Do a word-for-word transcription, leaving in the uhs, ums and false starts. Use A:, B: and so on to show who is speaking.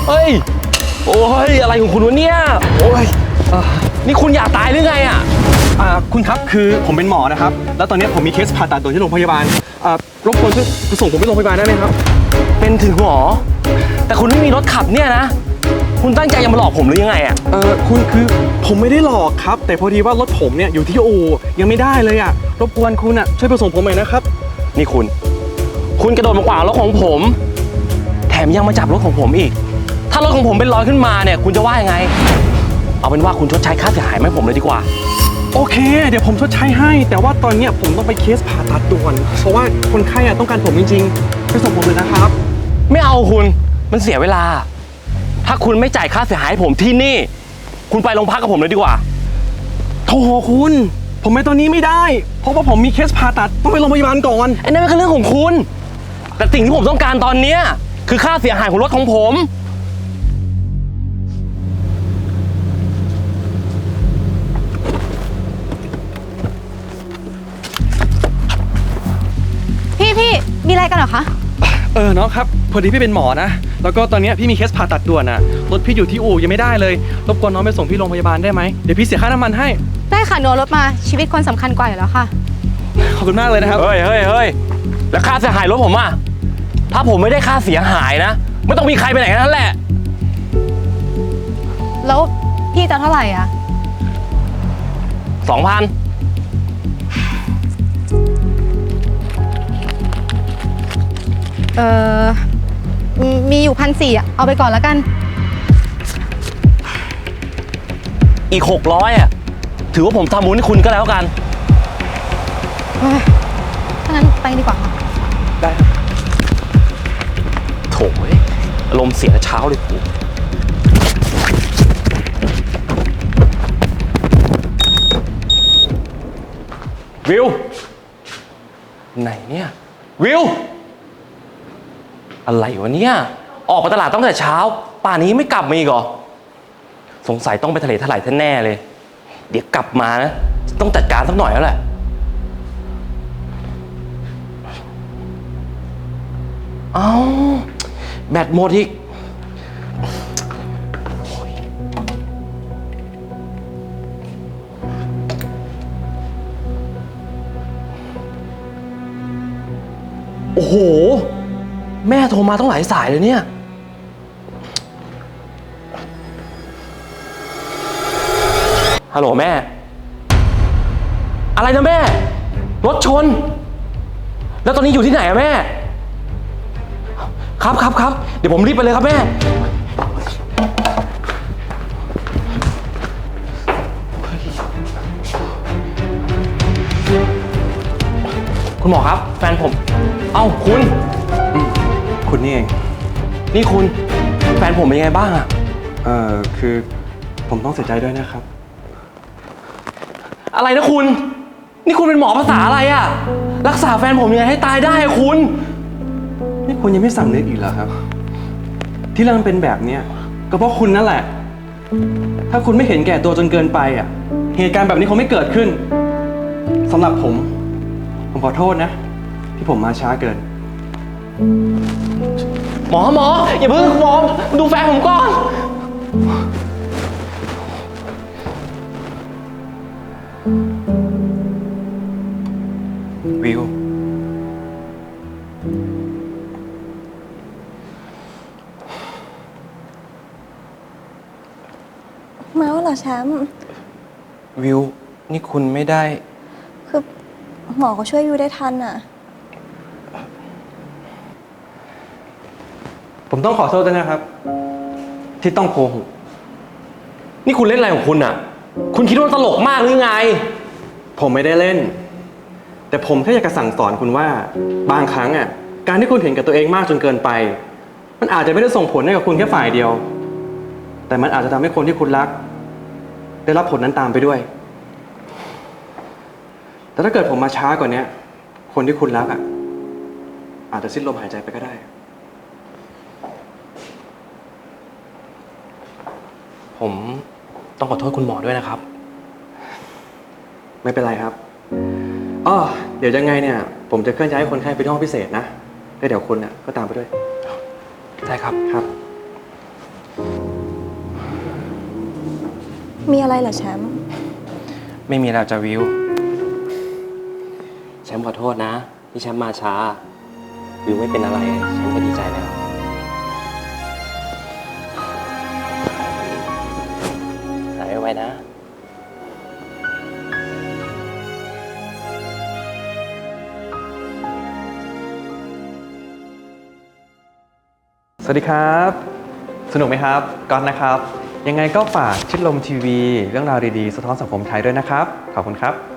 A: เฮ้ยโอ้ยอะไรของคุณวะเนี่ยโอ้ยนี่คุณอยากตายหรือไงอ่ะ
B: อ่าคุณครับคือผมเป็นหมอนะครับแล้วตอนนี้ผมมีเคสผ่าตัดด่วนที่โรงพยาบาลอ่ารบกวนช่วยส่งผมไปโรงพยาบาลได้ไหมครับ
A: เป็นถึงหมอแต่คุณไม่มีรถขับเนี่ยนะคุณตั้งใจจะมาหลอกผมหรือยังไงอ่ะ
B: เออคุณคือผมไม่ได้หลอกครับแต่พอดีว่ารถผมเนี่ยอยู่ที่อู่ยังไม่ได้เลยอ่ะรบกวนคุณอ่ะช่วยไปส่งผมหน่อยนะครับ
A: นี่คุณคุณกระโดดมาขวางรถของผมแถมยังมาจับรถของผมอีกถ้ารถของผมเป็นรอยขึ้นมาเนี่ยคุณจะว่ายังไงเอาเป็นว่าคุณชดใช้ค่าเสียหายให้ผมเลยดีกว่า
B: โอเคเดี๋ยวผมชดใช้ให้แต่ว่าตอนนี้ผมต้องไปเคสผ่าตัดด่วนเพราะว่าคนไข้อะต้องการผมจริงๆไปส่งผมเลยนะครับ
A: ไม่เอาคุณมันเสียเวลาถ้าคุณไม่จ่ายค่าเสียหายให้ผมที่นี่คุณไปโรงพักกับผมเลยดีกว่า
B: โธ่คุณผมไปตอนนี้ไม่ได้เพราะว่าผมมีเคสผ่าตัดต้องไปโรงพยาบาลก่อน
A: ไอ้นั่นเป็นเรื่องของคุณแต่สิ่งที่ผมต้องการตอนนี้คือค่าเสียหายของรถของผม
C: พี่พี่มีอะไรกันเหรอคะ
B: เออน้องครับพอดีพี่เป็นหมอนะแล้วก็ตอนนี้พี่มีเคสผ่าตัดด่วนอะรถพี่อยู่ที่อู่ยังไม่ได้เลยรบกวนน้องไปส่งพี่โรงพยาบาลได้ไหมเดี๋ยวพี่เสียค่าน้ำมันให้
C: ได้ค่ะหนูรถมาชีวิตคนสำคัญกว่าอยู่แล้วค่ะ
B: ขอบคุณมากเลยนะครับ
A: เฮ้ยเฮ้ยเฮ้ยแล้วค่าเสียหายรถผมอะถ้าผมไม่ได้ค่าเสียหายนะไม่ต้องมีใครไปไหนนั่นแหละ
C: แล้วพี่จะเท่าไหร่อ่ะ
A: สองพัน
C: เออมีอยู่พันสี่อ่ะเอาไปก่อนแล้วกัน
A: อีกหกร้อยอ่ะถือว่าผมทำบุญให้คุณก็แล้วกัน
C: ถ้างั้นไปดีกว่าค่ะ
B: ได้
A: โถ่อารมณ์เสียเช้าเลยกูวิวไหนเนี่ยวิวอะไรวะเนี่ยออกไปตลาดตั้งแต่เช้าป่านนี้ไม่กลับมาอีกเหรอสงสัยต้องไปทะเลถลายแน่เลยเดี๋ยวกลับมานะต้องจัดการสักหน่อยแล้วแหละเอ้าแบตหมดอีกโอ้โหแม่โทรมาต้องหลายสายเลยเนี่ยฮัลโหลแม่อะไรนะแม่รถชนแล้วตอนนี้อยู่ที่ไหนอะแม่ครับครับครับเดี๋ยวผมรีบไปเลยครับแม่คุณหมอครับแฟนผมเอ้าคุณ
B: คุณนี่เอง
A: นี่คุณแฟนผมเป็นยังไงบ้างอะ
B: เอ่อคือผมต้องเสียใจด้วยนะครับ
A: อะไรนะคุณนี่คุณเป็นหมอภาษาอะไรอะรักษาแฟนผมยังไงให้ตายได้อะคุณ
B: นี่คุณยังไม่สำนึกอีกเหรอครับที่เรื่องเป็นแบบเนี้ยก็เพราะคุณนั่นแหละถ้าคุณไม่เห็นแก่ตัวจนเกินไปอ่ะเหตุการณ์แบบนี้คงไม่เกิดขึ้นสำหรับผมผมขอโทษนะที่ผมมาช้าเกิน
A: หมอหมออย่าเพิ่งหมอดูแฟนผมก่อนวิว
C: มาแล้วเหรอแชมป์
A: วิวนี่คุณไม่ได้
C: คือหมอเขาช่วยวิวได้ทันอ่ะ
B: ผมต้องขอโทษด้วยนะครับที่ต้องโกหก
A: นี่คุณเล่นอะไรของคุณอ่ะคุณคิดว่าตลกมากหรือไง
B: ผมไม่ได้เล่นแต่ผมแค่อยากจะสั่งสอนคุณว่าบางครั้งอ่ะการที่คุณเห็นกับตัวเองมากจนเกินไปมันอาจจะไม่ได้ส่งผลให้กับคุณแค่ฝ่ายเดียวแต่มันอาจจะทำให้คนที่คุณรักได้รับผลนั้นตามไปด้วยแต่ถ้าเกิดผมมาช้ากว่านี้คนที่คุณรักอ่ะอาจจะสิ้นลมหายใจไปก็ได้
A: ผมต้องขอโทษคุณหมอด้วยนะครับ
B: ไม่เป็นไรครับอ๋อเดี๋ยวยังไงเนี่ยผมจะเคลื่อนย้ายคนไข้ไปที่ห้องพิเศษนะแล้วเดี๋ยวคุณน่ะก็ตามไปด้วย
A: ได้ครับ
B: ครับ
D: มีอะไรเหรอแชมป์
A: ไม่มีแล้วจ้ะวิว แชมป์ขอโทษนะ ที่แชมป์มาช้า วิวไม่เป็นอะไร แชมป์ก็ดีใจแล้วหายไวๆนะ
B: สวัสดีครับ สนุกไหมครับก๊อตนะครับ ยังไงก็ฝากชิดลมทีวี เรื่องราวดีๆ สะท้อนสังคมไทยด้วยนะครับ ขอบคุณครับ